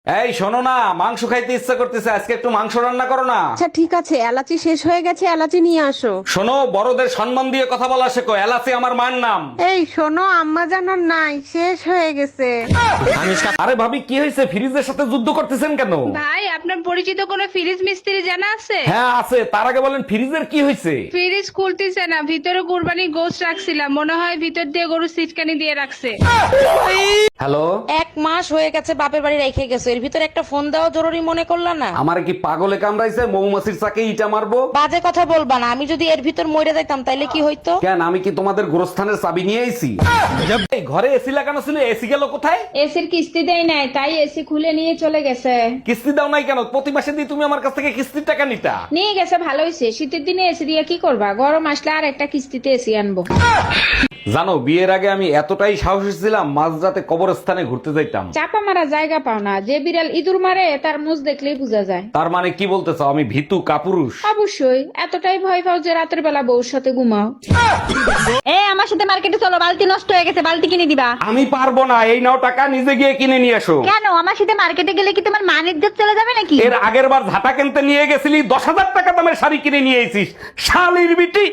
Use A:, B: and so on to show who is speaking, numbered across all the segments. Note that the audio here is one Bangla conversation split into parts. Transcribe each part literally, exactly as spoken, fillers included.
A: এই শোনো না, মাংস খাইতে ইচ্ছা করতেছে, আজকে একটু মাংস রান্না করো না।
B: আচ্ছা ঠিক আছে, এলাচি শেষ হয়ে গেছে, এলাচি নিয়ে আসো।
A: শোনো, বড়দের সম্মান দিয়ে কথা বলা শেখো, এলাচি আমার মায়ের নাম।
B: এই শোনো, আম্মা জানার নাই, শেষ হয়ে গেছে।
A: আরে ভাবি, কি হয়েছে? ফ্রিজের সাথে যুদ্ধ করতেছেন কেন?
C: ভাই, আপনার পরিচিত কোনো ফ্রিজ মিস্ত্রি জানা আছে?
A: হ্যাঁ আছে, তার আগে বলেন ফ্রিজের কি হয়েছে?
C: ফ্রিজ খুলতেছে না, ভিতরে কুরবানি গোশত রাখছিলাম, মনে হয় ভিতর দিয়ে গরু সিটকানি দিয়ে রাখছে।
A: হ্যালো,
D: এক মাস হয়ে গেছে বাপের বাড়ি রেখে গেছো, এর ভিতরে একটা ফোন দেওয়া জরুরি মনে করলা না?
A: আমার কি পাগলে কামড়াইছে? মৌমাছির চাকে ইটা মারবো?
D: বাজে কথা বলবা না, আমি যদি এর ভিতর মরে যাইতাম তাইলে কি হইতো?
A: কেন, আমি কি তোমাদের গোরস্থানের চাবি নিয়ে আইছি? এই ঘরে এসি লাগানো ছিল, এসি গেল কোথায়?
C: এসির কিস্তি দেয় নাই, তাই এসি খুলে নিয়ে চলে গেছে।
A: কিস্তি দাও নাই কেন? প্রতি মাসে দিয়ে তুমি আমার কাছ থেকে কিস্তির টাকা নিতা।
C: নিয়ে গেছে, ভালো হয়েছে। শীতের দিনে এসি দিয়ে কি করবা, গরম আসলে আর একটা কিস্তিতে এসি আনবো।
A: জানো, বিয়ের আগে আমি এতটাই সাহসী ছিলাম, মাঝরাতে কবরস্থানে ঘুরতে যাইতাম।
C: চাপা মারা জায়গা পাও না, যে বিড়াল ইঁদুর মারে তার মুখ দেখলেই বোঝা যায়।
A: তার মানে কি বলতে চাও, আমি ভীতু কাপুরুষ?
C: অবশ্যই, এতটাই ভয় পাও যে রাতের বেলা বউর সাথে ঘুমাও। এ আমার সাথে মার্কেটে চলো, বালতি নষ্ট হয়ে গেছে, বালতি কিনে দিবা।
A: আমি পারবো না, এই নাও টাকা, নিজে গিয়ে কিনে নিয়ে এসো।
C: কেন, আমার সাথে মার্কেটে গেলে কি তোমার মান ইজ্জত চলে যাবে নাকি?
A: এর আগের বার ঝাঁটা কিনতে নিয়ে গেছিলি, দশ হাজার টাকা দামের শাড়ি কিনে নিয়ে এসিস, শালির বিটি।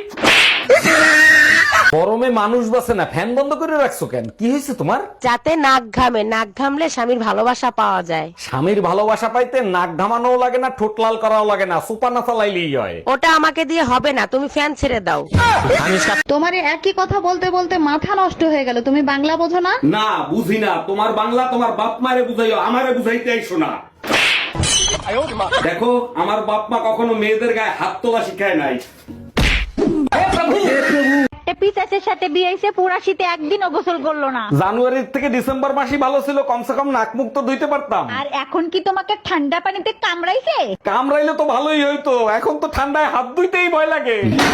A: গরমে মানুষ বাসে না, ফ্যান বন্ধ করে রাখছো কেন? কি হয়েছে তোমার?
D: যাতে নাক ঘামে, নাক ঘামলে স্বামীর ভালোবাসা পাওয়া যায়।
A: স্বামীর ভালোবাসা পাইতে নাক ঘামানোও লাগে না, ঠোঁট লাল করাও লাগে না, সুপা না চালাইলেই হয়।
D: ওটা আমাকে দিয়ে হবে না, তুমি ফ্যান ছেড়ে দাও।
E: তোমারে একই কথা বলতে বলতে মাথা নষ্ট হয়ে গেল, তুমি বাংলা বোঝো না?
A: না, বুঝি না। তোমার বাংলা তোমার বাপ মারে বুঝাইও, আমারে বুঝাইতে আইসো না। দেখো, আমার বাপ মা কখনো মেয়েদের গায়ে হাত তোলা শিখায় নাই।
C: পিসাচের সাথে বিয়ে হইছে, পুরা শীতে একদিনও গোসল করলো না।
A: জানুয়ারি থেকে ডিসেম্বর মাসই ভালো ছিল, কমসে কম নাক মুখ তো ধুইতে পারতাম।
C: আর এখন কি তোমাকে ঠান্ডা পানিতে কামড়াইছে?
A: কামড়াইলে তো ভালোই হইতো, এখন তো ঠান্ডায় হাত ধুইতেই ভয় লাগে।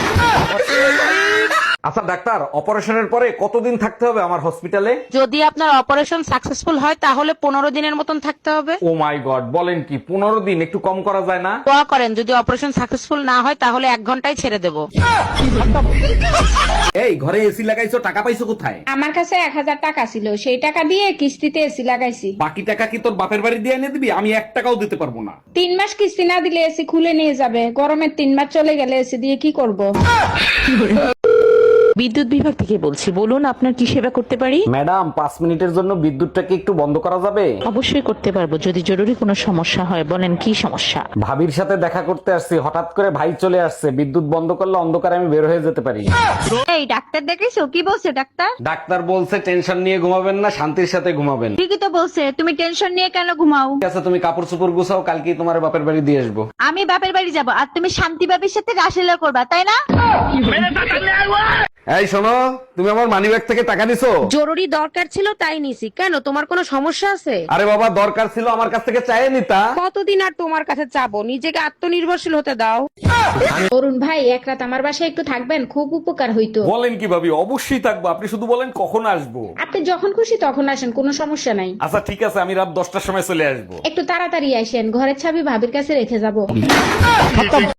A: আচ্ছা ডাক্তার, অপারেশনের পরে কতদিন থাকতে হবে আমার হসপিটালে?
D: যদি আপনার অপারেশন সাকসেসফুল হয় তাহলে পনেরো দিনের মতন থাকতে হবে।
A: ও মাই গড, বলেন কি? পনেরো দিন? একটু কম করা যায় না?
D: দোয়া করেন, যদি অপারেশন সাকসেসফুল না হয় তাহলে এক ঘন্টায় ছেড়ে দেবো।
A: এই ঘরে এসি লাগাইছো, টাকা পাইছো কোথায়?
C: আমার কাছে এক হাজার টাকা ছিল, সেই টাকা দিয়ে কিস্তিতে এসি লাগাইছি।
A: বাকি টাকা কি তোর বাপের বাড়ি দিয়ে এনে দিবি? আমি এক টাকাও দিতে পারবো না।
C: তিন মাস কিস্তি না দিলে এসি খুলে নিয়ে যাবে, গরমের তিন মাস চলে গেলে এসি দিয়ে কি করব?
F: বিদ্যুৎ বিভাগ থেকে বলছি, বলুন আপনার কি সেবা করতে পারি?
A: ম্যাডাম, পাঁচ মিনিটের জন্য বিদ্যুৎটাকে একটু বন্ধ করা যাবে?
F: অবশ্যই করতে পারবো, যদি জরুরি কোনো সমস্যা হয়। বলেন কি সমস্যা?
A: ভাবির সাথে দেখা করতে আসছি, হঠাৎ করে ভাই চলে আসছে, বিদ্যুৎ বন্ধ করলে অন্ধকারে আমি বের হয়ে যেতে পারি।
C: এই ডাক্তার দেখেছো? কি বলছে ডাক্তার?
A: ডাক্তার বলছে টেনশন নিয়ে ঘুমাবেন না, শান্তির সাথে ঘুমাবেন।
C: ঠিকই তো বলছে, তুমি টেনশন নিয়ে কেন ঘুমাও?
A: ঠিক আছে, তুমি কাপড় চোপড় গুছাও, কালকেই তোমার বাপের বাড়ি দিয়ে আসবো।
C: আমি বাপের বাড়ি যাব আর তুমি শান্তি বাবির সাথে রাসলীলা করবা, তাই না?
A: এই শোনো, তুমি আমার মানিব্যাগ থেকে টাকা নিছো?
D: জরুরি দরকার ছিল তাই নিছি। কেন, তোমার কোনো সমস্যা আছে?
A: আরে বাবা, দরকার ছিল, আমার কাছ থেকে চাইয়ে নিতা।
D: কতদিন আর তোমার কাছে চাবো? নিজেকে আত্মনির্ভরশীল হতে দাও।
C: অরুণ ভাই, এক রাত আমার বাসায় একটু থাকবেন, খুব উপকার হইতো।
A: বলেন কি ভাবি? অবশ্যই থাকবো, আপনি শুধু বলেন কখন আসবো।
C: আপনি যখন খুশি তখন আসেন, কোনো সমস্যা নাই।
A: আচ্ছা ঠিক আছে, আমি রাত দশটার সময় চলে আসবো।
C: একটু তাড়াতাড়ি আসেন, ঘরের চাবি ভাবির কাছে রেখে যাব।